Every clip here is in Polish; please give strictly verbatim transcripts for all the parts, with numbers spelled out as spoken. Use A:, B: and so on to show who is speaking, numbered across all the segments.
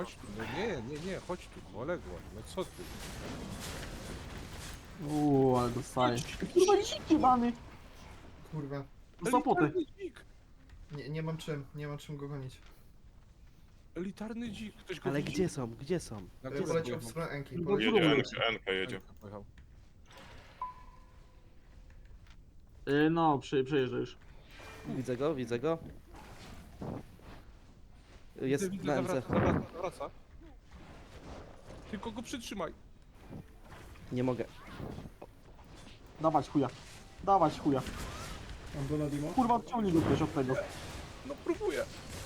A: Chodź tu, no nie, nie, nie, chodź tu, poległo, no co ty?
B: Uuu, ale dostaję. Kurwa, dziki mamy!
C: Kurwa.
B: Zapoty.
A: Elitarny dzik,
C: Nie, nie mam czym, nie mam czym go gonić.
A: elitarny dzik, ktoś go
D: Ale
A: widzi?
D: gdzie są? Gdzie są?
A: Na
C: E,
A: górę
C: Poleciał w
A: pojechał.
C: stronę Enki.
B: No
C: Poleciał.
B: dobra.
E: Jedzie, Enka, Enka jedzie.
A: Enka pojechał.
B: Yy, no, przy, przejeżdża już.
D: Widzę go, widzę go. Jest
A: Widzę,
D: na
A: widzę,
D: M C.
A: zawraca, zawraca, zawraca. Tylko go przytrzymaj.
D: Nie mogę.
B: Dawać chuja. Dawać chuja.
F: Mam go na Dimo?
B: Kurwa, odciągnij go też od tego.
A: No próbuję.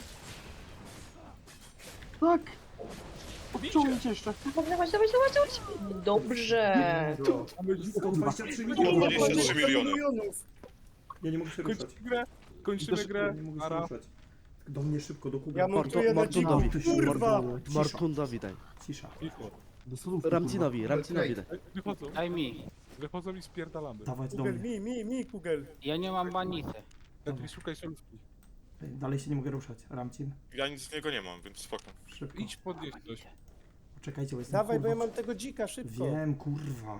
B: Tak! Odciągnijcie jeszcze.
G: Dawaj, dawaj, dawaj, dawaj. Dobrze.
F: Mamy sto dwadzieścia trzy
E: sto
F: miliony.
E: dwadzieścia trzy miliony.
F: milionów. Ja nie mogę się ruszać.
A: Kończymy grę, kończymy
B: Też-
A: grę.
F: Nie mogę się
A: Ara.
F: ruszać. Do mnie szybko, do Kuby.
H: Ja montuję na dziku,
D: Mortundowi.
H: kurwa!
F: Cisza,
D: Mortundowi daj.
F: cisza.
A: Cicho.
B: Do solówki,
D: Ramcinowi, Ramcinowi daj.
A: Ej, Wychodzą,
I: Daj mi.
A: wychodzą i spierdalamy.
F: Dawać do
H: Kugel,
F: mnie.
H: mi, mi, mi, Kugel.
I: Ja nie mam banity.
A: Lepiej szukaj solówki.
F: Ej, dalej się nie mogę ruszać. Ramcin,
E: Ja nic z niego nie mam, więc spoko.
F: szybko.
A: Idź podnieść coś.
F: Poczekajcie, bo jestem
H: Dawaj, bo ja
F: kurwa.
H: mam tego dzika, szybko.
F: Wiem, kurwa.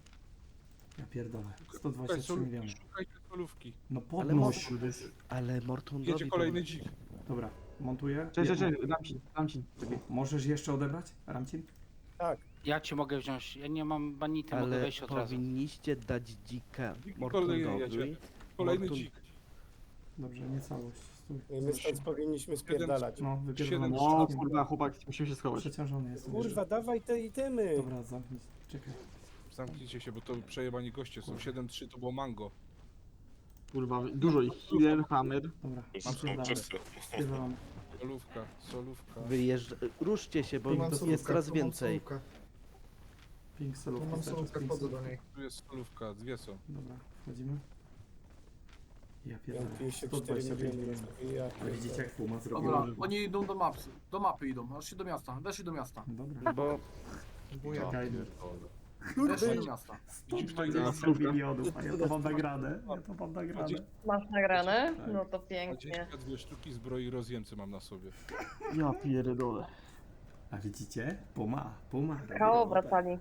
F: Ja pierdolę. sto
A: Szukaj
F: dwadzieścia trzy
A: solówki,
F: miliony.
A: szukajcie solówki.
F: No
D: Ale
F: podnoś.
D: Ale Mortundowi
A: Jedzie
D: to-
A: kolejny dzik.
F: Dobra, montuję.
B: Cześć, cześć,
F: Je-
B: cześć, Ramcin, Ramcin.
F: Możesz jeszcze odebrać, Ramcin?
H: Tak.
I: Ja ci mogę wziąć. Ja nie mam banity, mogę
D: Ale
I: wejść od razu.
D: powinniście dać dzika
A: Dzik kolejny
D: Mortundowi.
A: jedzie. Kolejny
D: Mortun-
A: dzik.
F: Dobrze, nie całość. Stój.
H: I my stąd powinniśmy spierdalać.
F: No, wypierdolony.
A: Siedem-
B: No, kurwa, chłopak, musimy się schować.
F: Przeciążony jestem.
H: Kurwa, dawaj te itemy.
F: Dobra, zamknij. Czekaj.
A: Zamknijcie się, bo to przejebani goście są. siedem trzy to było mango.
B: Kurwa, dużo ich. Healer, hammer.
F: Dobra,
E: To są
F: spierdalamy.
E: wszyscy.
F: Spierdalamy.
A: Solówka, solówka.
D: Wyjeżdża... Ruszcie się, bo
C: Tu mam
D: jest
C: solówkę,
D: coraz
C: tu mam
D: więcej.
C: solówkę.
F: Pink
C: Tu
F: solówka.
C: mam
F: cały czas
C: solówkę,
F: pink
C: wchodzę do
F: solówka.
C: niej.
A: Tu jest solówka, dwie są.
F: Dobra, wchodzimy. Ja
H: Ja
F: pierdolę.
H: mam pięćdziesiąt
F: sto
H: cztery
F: dwadzieścia pięć
H: miliony.
F: milionów.
H: Ja
F: A widzicie
H: pierdolę.
F: jak Puma zrobiła?
J: Dobra, oni idą do mapy, do mapy idą, weszli do miasta, weszli do miasta,
F: Dobra.
D: Bo
C: Próbuję.
F: Czekaj,
J: weszli do miasta.
F: sto dwadzieścia milionów, a ja to mam nagradę. Ja to mam nagradę.
G: Masz nagrane?
F: Tak.
G: No to pięknie.
A: dwadzieścia dwie sztuki zbroi rozjemcy mam na sobie.
B: Ja pierdolę.
F: A widzicie? Puma, Puma. robi
G: K O
F: robotę.
G: wracali.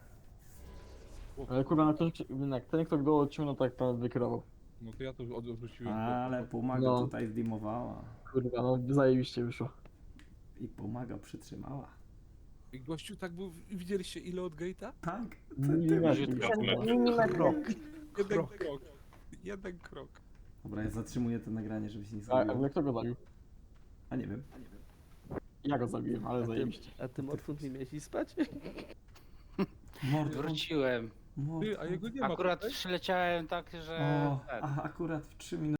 B: Ale kurwa, na ten, jak ten kto go odciągnął, tak pan wykierował.
A: No to ja to od- odwróciłem.
F: Ale Puma go
B: No.
F: tutaj zdimowała.
B: Kurwa, no zajebiście wyszło.
F: I Puma go przytrzymała.
A: I gościu tak był, widzieliście ile od gate'a?
F: Tak.
B: Milimetry.
G: Milimetr.
A: Jeden krok. Jeden krok.
F: Dobra, ja zatrzymuję to nagranie, żeby się nie
B: A, a
F: zgubiło.
B: kto go zabił?
F: A nie wiem.
B: Ja go zabiłem, ale
D: a ty,
B: zajebiście.
D: a ty Mortund nie miałeś spać?
F: Mord,
I: Wróciłem.
F: mord.
A: Ty, a jego nie ma
I: Akurat
A: tutaj?
I: przyleciałem tak, że...
F: O,
I: ten.
F: a akurat w trzy minuty.